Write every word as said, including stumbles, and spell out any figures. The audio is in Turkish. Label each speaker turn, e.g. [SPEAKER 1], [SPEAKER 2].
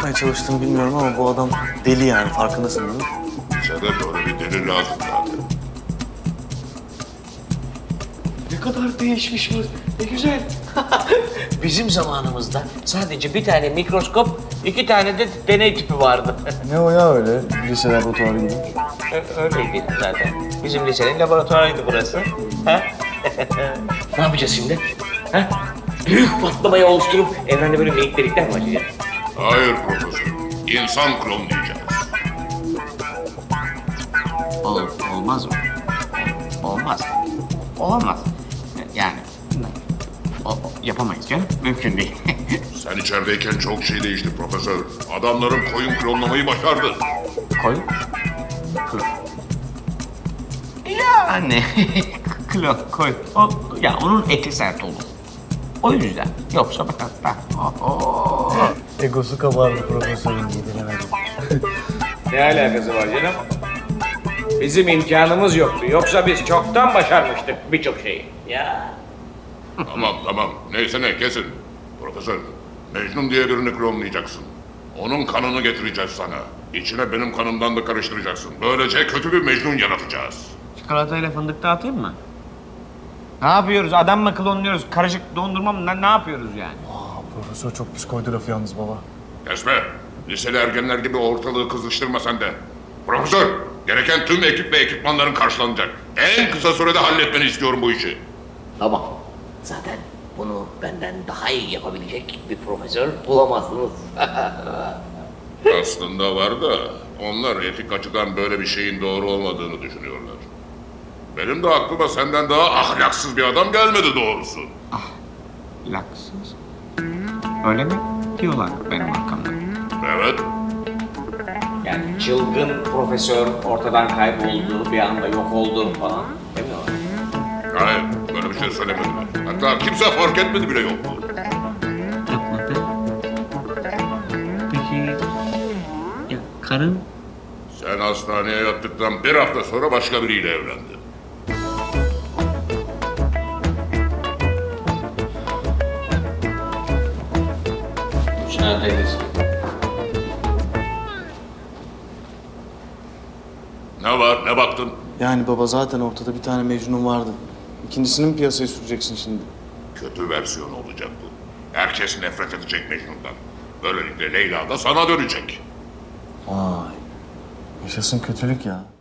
[SPEAKER 1] yapmaya çalıştığını bilmiyorum ama bu adam deli yani, farkındasın değil mi?
[SPEAKER 2] Bize de böyle bir deli lazım zaten.
[SPEAKER 3] Ne kadar değişmiş bu. Ne güzel. Bizim zamanımızda sadece bir tane mikroskop, iki tane de deney tüpü vardı.
[SPEAKER 1] Ne o ya öyle, lise laboratuvarı gibi?
[SPEAKER 3] Ö- Öyleydi zaten. Bizim lisenin laboratuvarıydı burası. Ha? Ne yapacağız şimdi? Ha? Büyük patlamayı oluşturup evrende böyle minik delikler mi açacağız?
[SPEAKER 2] Hayır profesör. İnsan klonlayacağız.
[SPEAKER 3] Ol, olmaz mı? Olmaz. Olamaz. Yani o, o- yapamayız canım. Mümkün değil.
[SPEAKER 2] Sen içerideyken çok şey değişti profesör. Adamların koyun klonlamayı başardı.
[SPEAKER 3] Koy. Klon. Yani klon koy. O, ya onun eti sert olur. O yüzden. Yoksa bak hatta.
[SPEAKER 1] Egosu kabardı profesörün, gidilemedi.
[SPEAKER 4] Ne alakası var canım? Bizim imkanımız yoktu. Yoksa biz çoktan başarmıştık birçok şeyi.
[SPEAKER 3] Ya.
[SPEAKER 2] Tamam tamam. Neyse ne kesin. Profesör, Mecnun diye birini klonlayacaksın. Onun kanını getireceğiz sana. İçine benim kanımdan da karıştıracaksın. Böylece kötü bir Mecnun yaratacağız.
[SPEAKER 3] Çikolatayla fındık dağıtayım mı? Ne yapıyoruz? Adam mı klonluyoruz? Karışık dondurma mı? Ne, ne yapıyoruz yani?
[SPEAKER 1] Aa, profesör çok pis koydu lafı yalnız baba.
[SPEAKER 2] Kesme. Liseli ergenler gibi ortalığı kızıştırma sen de. Profesör, gereken tüm ekip ve ekipmanların karşılanacak. En kısa sürede halletmeni istiyorum bu işi.
[SPEAKER 3] Tamam. Zaten bunu benden daha iyi yapabilecek bir profesör bulamazsınız.
[SPEAKER 2] Aslında var da onlar etik açıdan böyle bir şeyin doğru olmadığını düşünüyorlar. Benim de aklıma senden daha ahlaksız bir adam gelmedi doğrusu.
[SPEAKER 3] Laksız. Öyle mi diyorlar benim arkamda?
[SPEAKER 2] Evet.
[SPEAKER 4] Yani çılgın profesör ortadan kayboldu, bir anda yok oldu falan. Değil mi o?
[SPEAKER 2] Hayır, böyle bir şey söylemediler. Hatta kimse fark etmedi bile yoktu.
[SPEAKER 3] Yapmadı. Peki ya karın?
[SPEAKER 2] Sen hastaneye yattıktan bir hafta sonra başka biriyle evlendin.
[SPEAKER 3] Müsaadeniz.
[SPEAKER 2] Ne var, ne baktın?
[SPEAKER 1] Yani baba zaten ortada bir tane Mecnun vardı. İkincisini mi piyasaya süreceksin şimdi?
[SPEAKER 2] Kötü versiyon olacak bu. Herkes nefret edecek Mecnun'dan. Böylelikle Leyla da sana dönecek.
[SPEAKER 1] Vay, yaşasın kötülük ya.